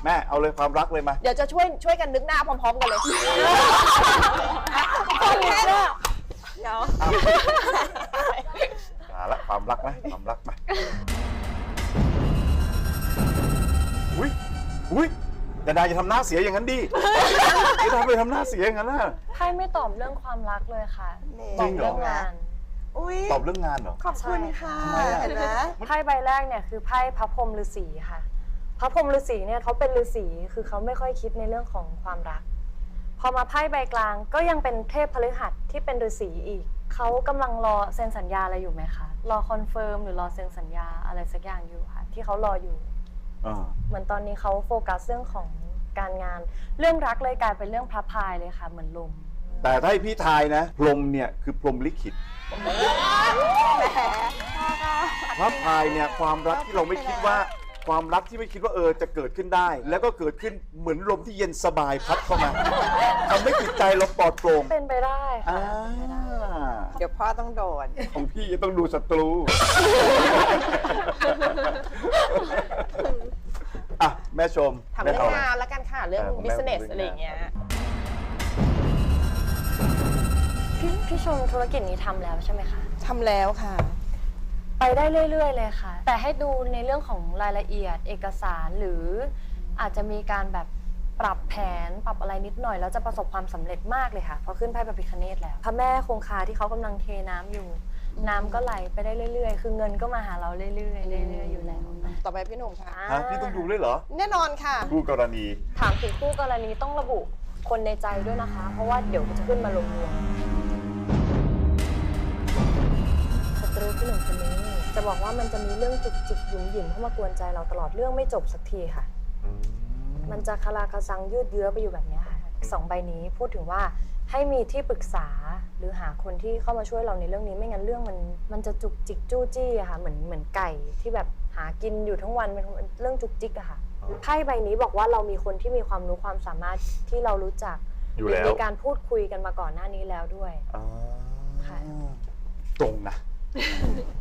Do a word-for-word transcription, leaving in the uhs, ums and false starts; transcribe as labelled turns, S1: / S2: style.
S1: แม่เอาเลยความรักเลยมา
S2: เดี๋ยวจะช่วยช่วยกันนึกหน้าพร้อมๆกันเลยคนแค่เดี๋ยว
S1: มาละความรักนะความรักมาอุ้ยอุ้ยอย่าได้จะทำหน้าเสียอย่างนั้นดิอย่าทำไปทำหน้าเสียอย่างนั้นนะ
S3: ไพ่ไม่ตอบเรื่องความรักเลยค่ะ
S1: จริงเหรอ
S3: เรื่องงาน
S2: อุ้ย
S1: ตอบเรื่องงานเหรอ
S2: ขอบคุณค่ะเห็นไหม
S3: ไพ่ใบแรกเนี่ยคือไพ่พระพรหมฤาษีค่ะ พระพรหมฤาษีเนี่ยเขาเป็นฤาษีคือเขาไม่ค่อยคิดในเรื่องของความรัก พอมาไพ่ใบกลางก็ยังเป็นเทพพฤหัสที่เป็นฤาษีอีกเขากำลังรอเซ็นสัญญาอะไรอยู่ไหมคะรอคอนเฟิร์มหรือรอเซ็นสัญญาอะไรสักอย่างอยู่ค่ะที่เขารออยู่
S1: อ่า
S3: เหมือนตอนนี้เขาโฟกัสเรื่องของการงาน เรื่องรักเลยกลายเป็นเรื่องพระพายเลยค่ะเหมือนลม
S1: แต่ถ้าให้พี่ทายนะพรหมเนี่ยคือพรหมลิขิตพระพายเนี่ยความรักที่เราไม่คิดว่าความรักที่ไม่คิดว่าเออจะเกิดขึ้นได้ แล้วก็เกิดขึ้นเหมือนลมที่เย็นสบายพัดเข้ามาทำให้จิตใจเราปลอดโปร่ง
S3: เป็นไปได้ค่ะ
S1: อ่า
S2: เดี๋ยวพ่อต้องโดน
S1: ของพี่จะต้องดูศัตรูอ่ะแม่ชม
S2: ทำเรื่อง
S1: แม่
S2: งานแล้วกันค่ะ เรื่อง
S1: เออของแม่
S2: business
S1: เรื่องงาน
S2: อะไรอย่างเงี้ย
S3: พี่พี่ชมธุรกิจนี้ทำแล้วใช่ไหมคะ
S2: ทำแล้วค่ะ
S3: ไปได้เรื่อยๆเลยค่ะ แต่ให้ดูในเรื่องของรายละเอียดเอกสารหรืออาจจะมีการแบบปรับแผนปรับอะไรนิดหน่อยแล้วจะประสบความสำเร็จมากเลยค่ะพอขึ้นไพ่พระพิฆเนศแล้วพระแม่คงคาที่เขากำลังเทน้ำอยู่ น้ำก็ไหลไปได้เรื่อยๆ คือเงินก็มาหาเราเรื่อยๆเรื่อยๆอยู่แล้ว
S2: ต่อไปพี่หนุ่มค่ะ
S1: ฮะพี่ต้องดูด้วยเหรอ
S2: แน่นอนค่ะ
S1: คู่กรณี
S3: ถามถึงคู่กรณีต้องระบุคนในใจด้วยนะคะ เพราะว่าเดี๋ยวจะขึ้นมารวมๆศัตรูพี่หนุ่มคนนี้จะบอกว่ามันจะมีเรื่องจุกจิกหยุ่มหยิมเข้ามากวนใจเราตลอดเรื่องไม่จบสักทีค่ะ มันจะคาราคาซังยืดเยื้อไปอยู่แบบนี้ค่ะสองใบนี้พูดถึงว่าให้มีที่ปรึกษาหรือหาคนที่เข้ามาช่วยเราในเรื่องนี้ไม่งั้นเรื่องมันมันจะจุกจิกจู้จี้อะค่ะเหมือนเหมือนไก่ที่แบบหากินอยู่ทั้งวันเป็นเรื่องจุกจิกอะค่ะไพ่ใบนี้บอกว่าเรามีคนที่มีความรู้ความสามารถที่เรารู้จัก
S1: อยู่แล้ว
S3: มีการพูดคุยกันมาก่อนหน้านี้แล้วด้วย
S1: อ่า
S3: ค่ะ
S1: ตรงนะ